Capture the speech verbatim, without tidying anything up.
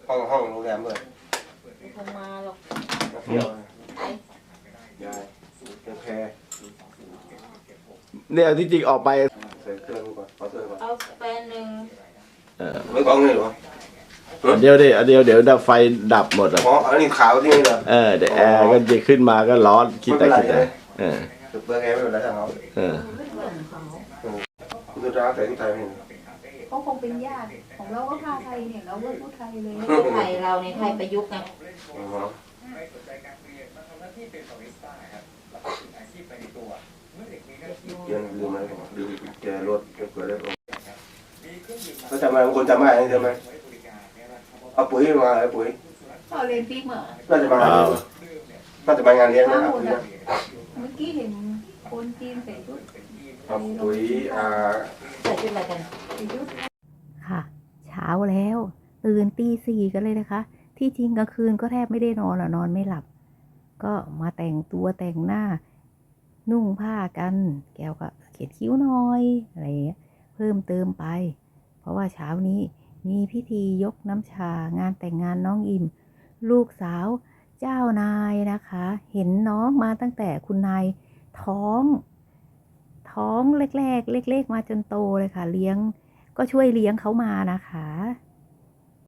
ห้องห้องโรงแรมด้วยไม่คงมาหรอกเที่ยวไปยายเก็บแพรเนี่ยที่จริงออกไปใส่เครื่องก่อนขอเสื้อก่อนเอาแฟนหนึ่งเออไม่กล้องเลยหรออันเดียวดิอันเดียวเดี๋ยวดับไฟดับหมดอ่ะอ๋ออันนี้ขาวที่นี่เหรอเออเดี๋ยวแอร์ก็จะขึ้นมาก็ร้อนคิดแต่คิดแต่เออเปิดแอร์ไม่เป็นไรช่างเขาเออไม่เหมือนเขาดูร้านแต่ที่ไทยไม่เห็นเขาคงเป็นญาติของเราก็พาไทยเนี่ยเราก็พูดไทยเลยไทยเราในไทยประยุกต์ไงอ๋อเกียร์ลืมอะไรลืมแกรถเกิดอะไรขึ้นเขาจำอะไรบางคนจำไม่ได้ใช่ไหมเอาปุ๋ยมาเอาปุ๋ยพอเรียนปีกเหมือน่าจะมาน่าจะมางานเลี้ยงนะครับปุ๋ยเมื่อกี้เห็นคนจีนใส่ชุดเอาปุ๋ยอ่าใส่ชุดอะไรกันใส่ชุดค่ะเช้าแล้วตื่นตีสี่กันเลยนะคะ ที่จริงกลางคืนก็แทบไม่ได้นอนหรอนอนไม่หลับ ก็มาแต่งตัวแต่งหน้า นุ่งผ้ากันแก้วก็เขียนคิ้วหน่อยอะไรอย่างเงี้ยเพิ่มเติมไป เพราะว่าเช้านี้มีพิธียกน้ำชางานแต่งงานน้องอิมลูกสาวเจ้านายนะคะ เห็นน้องมาตั้งแต่คุณนายท้อง ท้องแรกๆเล็กๆมาจนโตเลยค่ะเลี้ยงก็ช่วยเลี้ยงเขามานะคะ